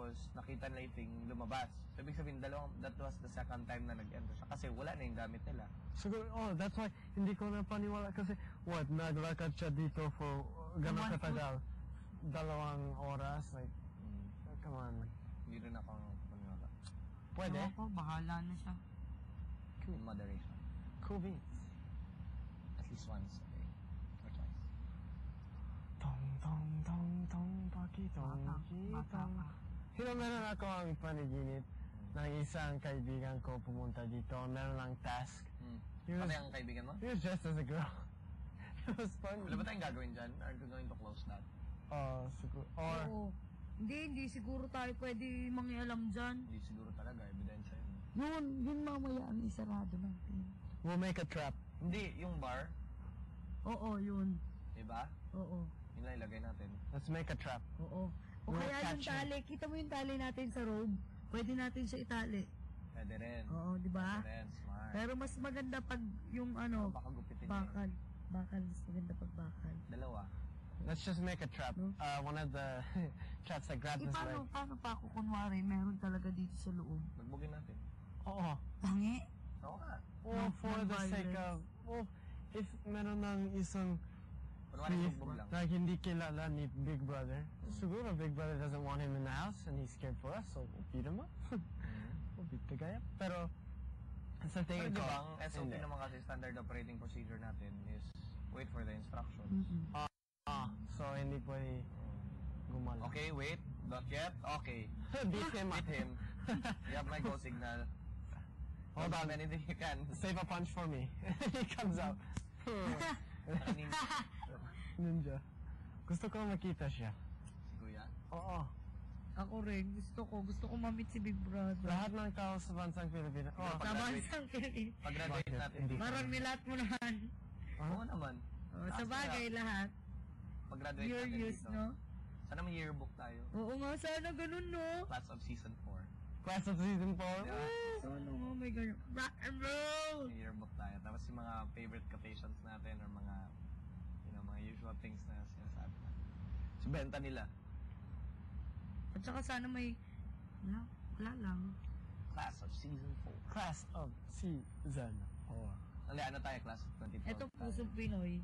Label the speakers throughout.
Speaker 1: Tapos, nakita nila yung thing lumabas. So, ibig sabihin, that was the second time na nag-enter siya. Kasi wala na yung gamit nila.
Speaker 2: Siguro, that's why hindi ko na paniwala kasi, naglakad siya dito for gano'ng katagal. 2 oras, like, come on.
Speaker 1: Hindi rin ako paniwala.
Speaker 2: Pwede?
Speaker 3: Ako, bahala na siya.
Speaker 1: In moderation.
Speaker 2: Cool beans.
Speaker 1: At least once a day. Or twice.
Speaker 2: Tong, tong, tong, tong, pakitong, kitong. Meron ako ang panaginip ng isang kaibigan ko pumunta dito. Meron lang task.
Speaker 1: Pati ang kaibigan mo?
Speaker 2: He was dressed as a girl. It was fun.
Speaker 1: Wala ba tayong gagawin dyan? Are we going to close that?
Speaker 2: Siguro. Or,
Speaker 3: Oo. Hindi siguro tayo pwede mangialam dyan.
Speaker 1: Hindi siguro talaga. Ebidensya yun.
Speaker 3: Yun mamaya ang isarado natin.
Speaker 2: we'll make a trap.
Speaker 1: Hindi, yung bar.
Speaker 3: Oo, yun.
Speaker 1: Diba?
Speaker 3: Oo.
Speaker 1: Yun lang ilagay natin.
Speaker 2: Let's make a trap.
Speaker 3: Oo. O
Speaker 2: We'll
Speaker 3: kaya yung
Speaker 2: catch him.
Speaker 3: tali, kita mo yung tali natin sa robe, pwede natin siya itali.
Speaker 1: Pwede rin.
Speaker 3: Oo, di ba?
Speaker 1: Pwede rin. Smart.
Speaker 3: Pero mas maganda pag yung ano,
Speaker 1: Baka gupitin
Speaker 3: bakal. Bakal, mas maganda pag bakal.
Speaker 1: Dalawa.
Speaker 2: Let's just make a trap.
Speaker 3: No?
Speaker 2: One of the traps that grabs his leg.
Speaker 3: Paano pa ako kunwari, meron talaga dito sa loob?
Speaker 1: Magbugin natin.
Speaker 2: Oo.
Speaker 3: Tangi?
Speaker 1: Oo nga.
Speaker 2: Or for the sake of, if meron ng isang
Speaker 1: Kunwari
Speaker 2: thief
Speaker 1: sugbog lang.
Speaker 2: na hindi kilala ni Big Brother, siguro Big Brother doesn't want him in the house and he's scared for us, so we'll beat him up. We'll beat the guy up. Pero, sa
Speaker 1: Pero
Speaker 2: tingin
Speaker 1: di
Speaker 2: ko,
Speaker 1: ba, ang SOP
Speaker 2: hindi.
Speaker 1: naman kasi standard operating procedure natin is wait for the instructions.
Speaker 2: So, hindi pwede gumala.
Speaker 1: Okay, wait. Not yet? Okay.
Speaker 2: Beat him up.
Speaker 1: Beat him. You have my go signal.
Speaker 2: Hold on.
Speaker 1: Anything you can.
Speaker 2: Save a punch for me. He comes out. Ninja. Gusto ko makita siya.
Speaker 1: Si Kuya?
Speaker 2: Oo.
Speaker 3: Ako rin, gusto ko ma-meet si Big Brother.
Speaker 2: Lahat ng tao sa bansang Pilipinas.
Speaker 1: Oh.
Speaker 3: Sa bansang Pilipinas.
Speaker 1: Pag-graduate
Speaker 2: Bakit?
Speaker 1: natin.
Speaker 2: Hindi.
Speaker 3: Parang nilat mo naman.
Speaker 1: Oo naman.
Speaker 3: Sa bagay lahat.
Speaker 1: Pag-graduate
Speaker 3: You're
Speaker 1: natin
Speaker 3: used,
Speaker 1: dito.
Speaker 3: no?
Speaker 1: Sana may yearbook tayo.
Speaker 3: Oo nga, sana ganun, no?
Speaker 1: Class of season 4.
Speaker 2: Class of season 4.
Speaker 1: Yeah.
Speaker 3: Sana nga, may ganun. Rock and roll!
Speaker 1: May yearbook tayo. Tapos yung mga favorite quotations natin or mga, mga usual things na sinasabi natin. So, benta nila.
Speaker 3: At saka sana may... Wala lang.
Speaker 1: Class of season 4.
Speaker 2: Class of season 4.
Speaker 1: Ano tayo? Class of 2012.
Speaker 3: Ito, pusong Pinoy.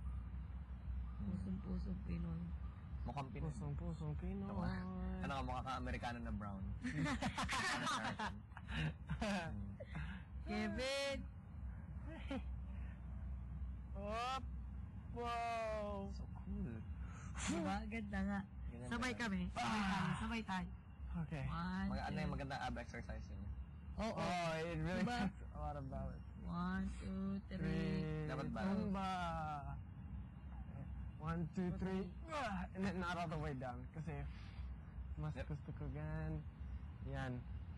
Speaker 3: Pusong Pinoy.
Speaker 1: Mukhang Pinoy.
Speaker 2: Pusong Pinoy.
Speaker 1: Ano ka, mukha ka Amerikano na brown. American.
Speaker 3: Kevin!
Speaker 2: Up! Wow!
Speaker 1: So cool.
Speaker 3: Diba? Ganda nga.
Speaker 1: Ganyan
Speaker 3: Sabay
Speaker 1: ba?
Speaker 3: kami. Sabay tayo.
Speaker 2: Okay.
Speaker 3: One,
Speaker 1: Ano yung
Speaker 3: two.
Speaker 1: magandang ab exercise yun?
Speaker 3: Oo.
Speaker 2: Oh, it really
Speaker 3: Diba?
Speaker 2: takes a lot of balance.
Speaker 3: 1, 2, 3.
Speaker 1: Dapat ba?
Speaker 2: Tumba. 1, 2, 3. And then not all the way down. Kasi mas
Speaker 1: Yep.
Speaker 2: gusto ko gan. Yan.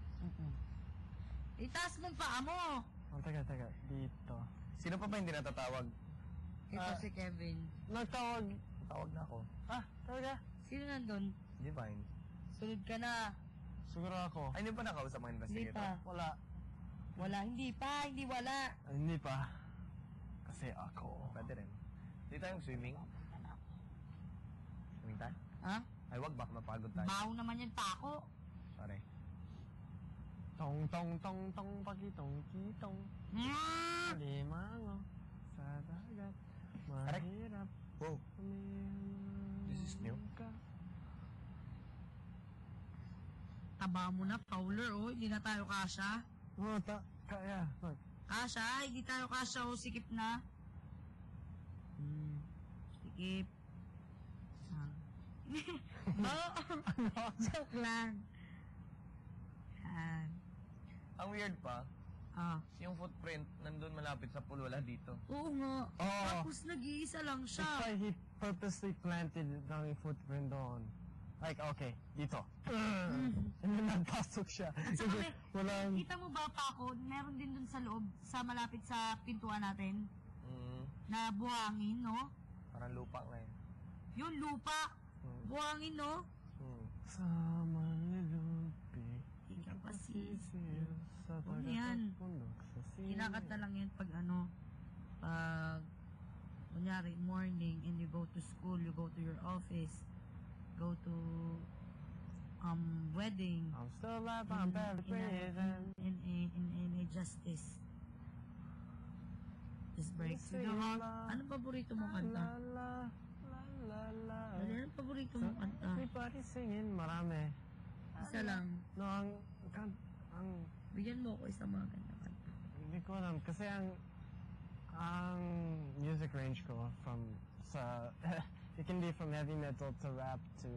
Speaker 3: Itaas mong paa mo!
Speaker 2: Teka. Dito.
Speaker 1: Sino pa hindi natatawag?
Speaker 3: Ito si Kevin.
Speaker 2: Nagtawag.
Speaker 1: Tawag na ako.
Speaker 2: Talaga?
Speaker 3: Sino nandun?
Speaker 1: Divine.
Speaker 3: Sunod ka na.
Speaker 2: Siguro ako.
Speaker 1: Ay, hindi pa nakausap mga
Speaker 3: Hindi
Speaker 1: investigator?
Speaker 3: pa.
Speaker 2: Wala.
Speaker 3: Wala. Hindi pa. Hindi wala.
Speaker 2: Hindi pa. Kasi ako.
Speaker 1: Pwede rin. Hindi tayong swimming. Swimming tayo?
Speaker 3: Ha?
Speaker 1: Ay, wag. Baka mapagod tayo.
Speaker 3: Baho naman yung tako.
Speaker 1: Sorry.
Speaker 2: Tong, pakitong, kitong. Limango. Sa dagat. Mahirap.
Speaker 1: Wow. This is new.
Speaker 3: Taba mo na, Fowler, oh. Hindi na tayo kasha.
Speaker 2: Oh, kaya. Look.
Speaker 3: Kasha? Hindi tayo kasha, oh. Sikip na. Sikip. Oh, joke lang. Yan.
Speaker 1: Ang weird pa, yung footprint nandun malapit sa pool, wala dito.
Speaker 3: Oo nga.
Speaker 2: Oh.
Speaker 3: Tapos nag-iisa lang
Speaker 2: It's
Speaker 3: siya.
Speaker 2: like he purposely planted ng footprint doon. Like, okay, dito. And then nagpasok siya.
Speaker 3: Saka
Speaker 2: Walang...
Speaker 3: kita mo ba pa ako, meron din dun sa loob, sa malapit sa pintuan natin, na buhangin, no?
Speaker 1: Parang lupa nga eh.
Speaker 3: Yung lupa. Buhangin, no?
Speaker 2: Sa manlilupi.
Speaker 3: Ikaw kasi.
Speaker 2: Sa
Speaker 3: Ano yan?
Speaker 2: pundok sa sili.
Speaker 3: Kinakanta lang yan pag pag, kunyari, morning, and you go to school, you go to your office, go to, wedding.
Speaker 2: I'm still alive, I'm barely breathing.
Speaker 3: In a justice. Just breaks with the heart. Anong paborito mong kanta?
Speaker 2: La, la, la, la.
Speaker 3: Anong paborito mong kanta?
Speaker 2: Everybody singing, marami.
Speaker 3: Isa lang.
Speaker 2: No, ang
Speaker 3: Bigyan mo ako isang mga ganda kanta.
Speaker 2: hindi ko alam. Kasi ang music range ko from it can be from heavy metal to rap to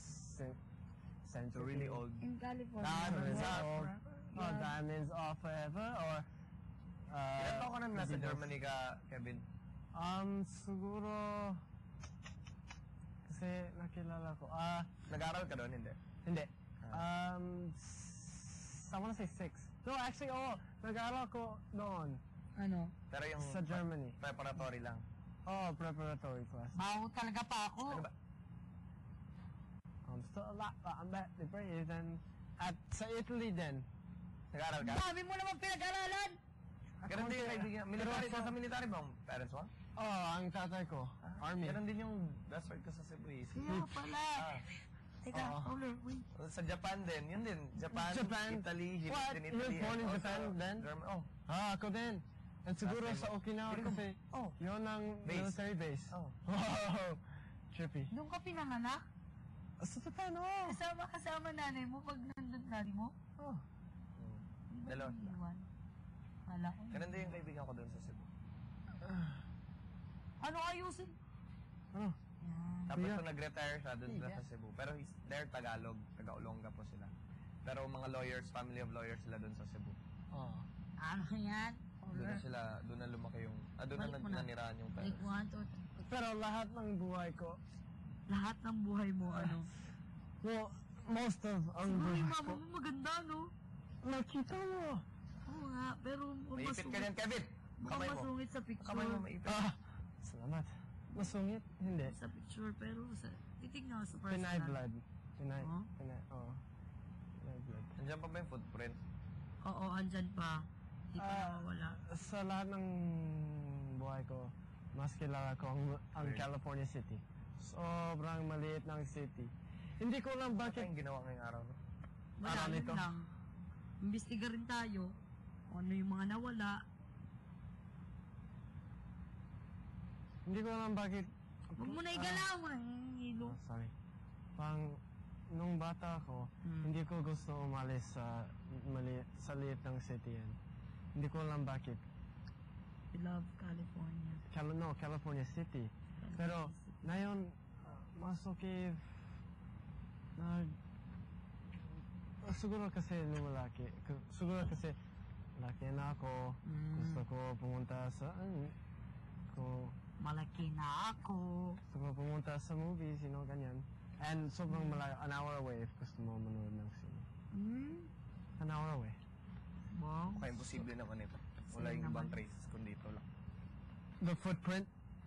Speaker 1: So really old.
Speaker 3: In California.
Speaker 2: Diamonds
Speaker 3: rap,
Speaker 2: Are
Speaker 3: rap.
Speaker 2: or Diamonds Are Forever or
Speaker 1: Ilan taon ka na nasa
Speaker 2: Beatles.
Speaker 1: Germany ka, Kevin?
Speaker 2: Siguro kasi nakilala ko.
Speaker 1: Nag-aaral ka doon, hindi?
Speaker 2: Hindi. I wanna say 6. No, actually, nag-aaral ko noon
Speaker 3: Ano?
Speaker 1: Pero yung
Speaker 2: sa Germany.
Speaker 1: preparatory lang.
Speaker 2: Preparatory class.
Speaker 3: Baho talaga pa ako.
Speaker 1: Ano ba?
Speaker 2: I'm still alive, but I'm barely breathing. At sa Italy din.
Speaker 1: Nag-aaral ka?
Speaker 3: Dami mo naman pinag-aralan.
Speaker 1: Ganun din yung kaibigan. Military,
Speaker 2: Pero
Speaker 1: nasa military ba ang parents mo?
Speaker 2: Ang tatay ko. Army.
Speaker 1: Ganun din yung best friend ko sa Cebu.
Speaker 3: Kaya pala. Teka, wait.
Speaker 1: Sa Japan din, yun din. Japan, Italy,
Speaker 2: What?
Speaker 1: din
Speaker 2: You
Speaker 1: Italy.
Speaker 2: were born in
Speaker 1: and
Speaker 2: Japan
Speaker 1: also
Speaker 2: then?
Speaker 1: German.
Speaker 2: Ako din. At siguro
Speaker 1: Last time
Speaker 2: sa Okinawa
Speaker 1: Hindi ko-
Speaker 2: kasi yun ang
Speaker 1: Base.
Speaker 2: military base.
Speaker 1: Oh.
Speaker 2: Wow! Trippy.
Speaker 3: Doon ka pinanganak?
Speaker 2: Sa Japan,
Speaker 3: Kasama nanay mo pag nandun nanay mo? Di ba
Speaker 1: Dalawa.
Speaker 3: iniwan? Wala ko.
Speaker 1: Ganun din yung kaibigan ko doon sa Cebu.
Speaker 3: Ano ayusin?
Speaker 2: Ano?
Speaker 3: Yan.
Speaker 1: Tapos
Speaker 2: Yeah.
Speaker 1: nung nag-retire siya doon sila sa Cebu. Pero they're Tagalog, taga-Olonga po sila. Pero mga lawyers, family of lawyers sila doon sa Cebu.
Speaker 3: Ano yan?
Speaker 1: Doon na lumaki yung, doon na
Speaker 3: Balik mo na.
Speaker 1: nanirahan yung
Speaker 3: Like
Speaker 1: parents.
Speaker 3: 1, 2, 3.
Speaker 2: Pero lahat ng buhay ko,
Speaker 3: Lahat ng buhay mo, ano?
Speaker 2: well, most of ang
Speaker 3: Siguro
Speaker 2: buhay
Speaker 3: yung
Speaker 2: ko,
Speaker 3: mama mo maganda, no?
Speaker 2: nakita mo.
Speaker 3: Oo nga, pero
Speaker 1: Maipit ka niyan, Kevin!
Speaker 3: mukhang
Speaker 1: Kamay mo.
Speaker 3: masungit sa picture.
Speaker 1: Kamay mo maipit.
Speaker 2: Salamat. Masungit? Hindi.
Speaker 3: Sa picture, pero sa titignan ko sa personal.
Speaker 2: Pinay blood. Pinay,
Speaker 3: Huh?
Speaker 2: Pinay blood.
Speaker 1: Nandiyan pa ba yung footprint?
Speaker 3: Oo, andyan pa. Di pa nawawala.
Speaker 2: Sa lahat ng buhay ko, mas kilala ko ang
Speaker 1: Weird.
Speaker 2: California City. Sobrang maliit ng city. Hindi ko lang
Speaker 1: Ano
Speaker 2: bakit.
Speaker 1: yung ginawa ngayong araw? No?
Speaker 3: Wala,
Speaker 2: Araw
Speaker 3: yun
Speaker 2: nito.
Speaker 3: lang. Imbestiga rin tayo kung ano yung mga nawala.
Speaker 2: Hindi ko lang bakit.
Speaker 3: Huwag mo na igalaw. Hilo.
Speaker 2: Sorry. Nung bata ako, hindi ko gusto umalis sa liit ng city yan. Hindi ko lang bakit.
Speaker 3: I love California.
Speaker 2: California City. Pero, ngayon, mas okay siguro kasi lumalaki. Siguro kasi laki na ako. Gusto ko pumunta sa
Speaker 3: Malaki na ako.
Speaker 2: gusto ko pumunta sa movies, ganyan. And sobrang malayo, an hour away if gusto mo manood ng sine. An hour away.
Speaker 3: Wow.
Speaker 1: Kaya imposible naman ito. Wala
Speaker 3: Same
Speaker 1: yung ibang
Speaker 3: naman.
Speaker 1: traces kundi ito lang.
Speaker 2: The footprint?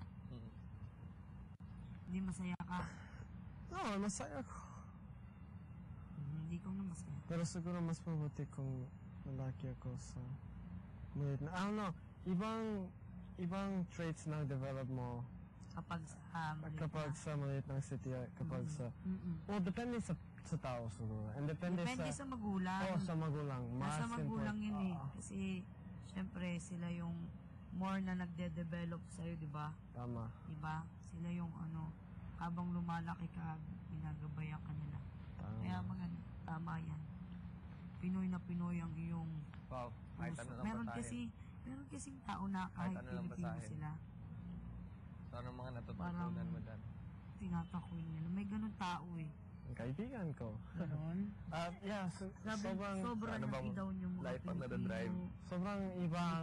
Speaker 3: Hindi masaya ka.
Speaker 2: No, masaya ko.
Speaker 3: Hindi ko na masaya.
Speaker 2: Pero siguro mas mabuti kung malaki ako sa maliit na, I don't know, ibang traits na develop mo
Speaker 3: Kapag sa maliit
Speaker 2: kapag
Speaker 3: na.
Speaker 2: sa maliit ng city, kapag sa, well, depende sa tao siguro. And depende
Speaker 3: sa magulang.
Speaker 2: sa magulang.
Speaker 3: Nasa
Speaker 2: Mas
Speaker 3: magulang
Speaker 2: important.
Speaker 3: yun eh. Kasi, syempre, sila yung more na nagde-develop sa'yo, di ba?
Speaker 2: Tama.
Speaker 3: Di ba? Sila yung habang lumalaki ka, ginagabayan ka nila.
Speaker 2: Tama.
Speaker 3: Kaya maganda, tama yan. Pinoy na Pinoy ang iyong
Speaker 1: Wow, kahit
Speaker 3: puso.
Speaker 1: ano lang
Speaker 3: Meron
Speaker 1: basahin.
Speaker 3: kasing tao na kahit
Speaker 1: Kahit ano lang
Speaker 3: Pilipino
Speaker 1: basahin.
Speaker 3: sila,
Speaker 1: So, anong mga natutunan
Speaker 3: Parang-
Speaker 1: mo dyan?
Speaker 3: tinatakoy nila. May ganun tao eh.
Speaker 2: Ang kaibigan ko.
Speaker 3: Ganon.
Speaker 2: Yeah, sobrang
Speaker 1: ano bang
Speaker 3: nag-idaw yung mga
Speaker 1: life ang nadadrive?
Speaker 2: sobrang ibang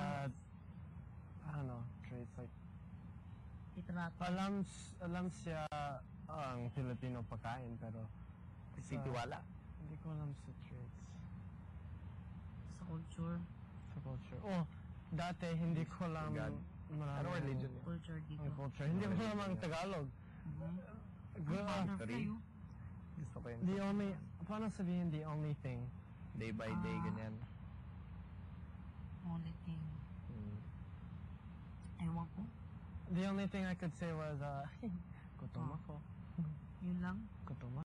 Speaker 2: traits like
Speaker 3: Itrato.
Speaker 2: alam siya ang Filipino pagkain pero
Speaker 1: Si Tiwala?
Speaker 2: hindi ko alam sa traits
Speaker 3: Sa culture.
Speaker 2: sa culture. Dati hindi ko alam
Speaker 1: God.
Speaker 2: marami
Speaker 1: Anong religion niya?
Speaker 3: Culture dito.
Speaker 2: ang culture. Hindi ko alam ang Tagalog.
Speaker 3: Mhm.
Speaker 2: Gra-
Speaker 1: History? Gusto ko yung
Speaker 2: the only, paano sabihin the only thing?
Speaker 1: day by day, ganyan.
Speaker 3: Only thing. Ewan ko.
Speaker 2: The only thing I could say was, gutom ako.
Speaker 3: Yun lang.
Speaker 2: Gutom